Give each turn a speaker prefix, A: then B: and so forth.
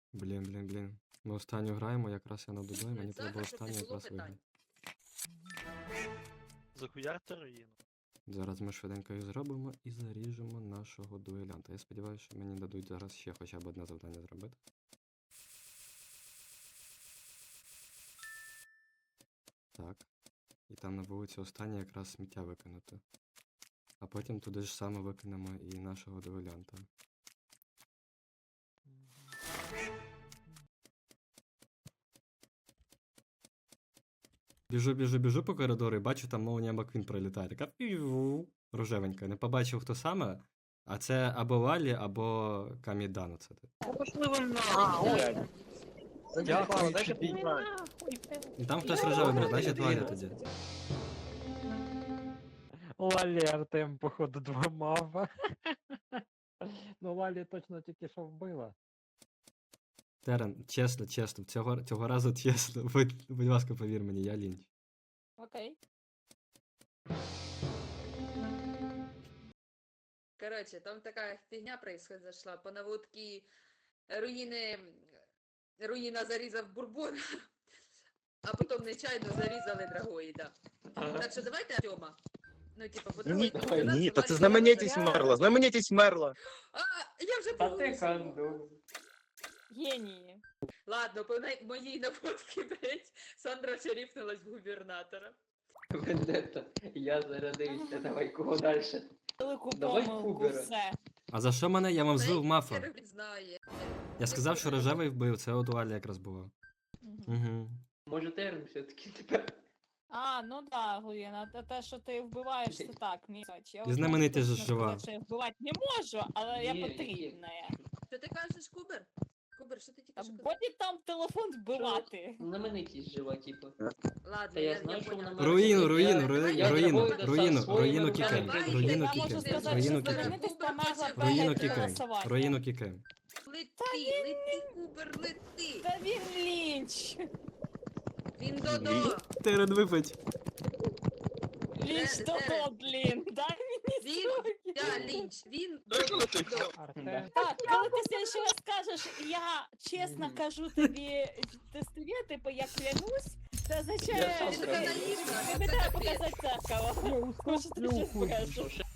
A: Блін. Ми останню граємо, якраз я на дублі, мені треба
B: Захар, щоб не
A: останню
B: було
A: якраз
B: питань.
A: виграти.
C: Захуярте руїну.
A: Зараз ми швиденько її зробимо і заріжемо нашого дуелянта. Я сподіваюся, що мені дадуть зараз ще хоча б одне завдання зробити. Так. І там на вулиці останнє якраз сміття викинути. А потім туди ж саме викинемо і нашого дуелянта. Біжу по коридору і бачу, там молнія Маквін пролітає. Така пів рожевенька. Не побачив, хто саме. А це або Лалі, або Камідан. Оце.
C: Пошли ви на.
D: Дякую,
C: дайте
D: тобі.
C: пограти.
A: І там хтось рожевий був, значить Лаля тоді.
D: Лалі Артем, походу, два мава. Ну, Лалі точно тільки що вбила.
A: Терен, чесно, цього разу чесно. Будь ласка, повір мені, я лінч.
E: Окей.
B: Короче, там такая фигня произошла. По наводке руїна зарізав Бурбона, а потім нечайно зарізали Драгоїда. Так що давайте Артема. Ну, типа, подумайте.
F: Ні, та це знаменитість мерла, знаменитість мерла.
B: А, я вже
G: А ти
B: проголосувала.
G: канду.
E: Генії.
B: Ладно, по моїй наводці, блять, Сандра шарифнулась в губернатора.
G: Вендетта. Я зарядився, давай кого далі.
E: Велику
G: Давай
E: помилку,
G: Кубера.
E: все.
A: А за що мене? Я вам звив мафа.
B: Хер знає.
A: Я сказав, що рожевий вбив, це от Лалі якраз було.
E: Мгм.
A: Угу.
G: Може терн все-таки тепер.
E: А, ну да, Гуєна, те, що ти вбиваєш, це так, мій соч. Я
A: І знаменитий
E: точно
A: же жива.
E: сказати, що я вбивати не можу, але я
G: Є,
E: потрібна.
B: Що ти кажеш, Кубер? Кубер, що ти тільки що казав?
E: Буде там телефон вбивати.
G: Знаменитість жива, типу.
B: Ладно,
G: Та я знаю, що
B: поняла.
G: вона
A: Руїну
G: своїми
A: кікаємо.
B: руками.
A: Руїну
E: Я можу
A: кікаємо.
E: сказати,
A: Руїну
E: що
A: кікаємо.
E: знаменитість померла
A: Руїну
E: перед
A: кікаємо.
E: голосуванням.
A: Руїну кікаємо.
B: Лети, Кубер, лети!
E: Та він лінч.
B: Він додо!
A: Терен випить.
E: Лінч
B: Де-
E: того, блін. Дай мені
B: Він,
E: спокій.
B: я лінч, він додо!
D: Артем.
E: Так, коли ти ще раз скажеш, я чесно кажу тобі тестові, типу, я клянусь, це означає,
G: Я сам
E: що
B: Це
G: скажу.
B: наївно,
E: тобі
B: це
E: треба
B: капець.
E: показати дзеркало. Може, ти щось скажеш.
G: Що ще?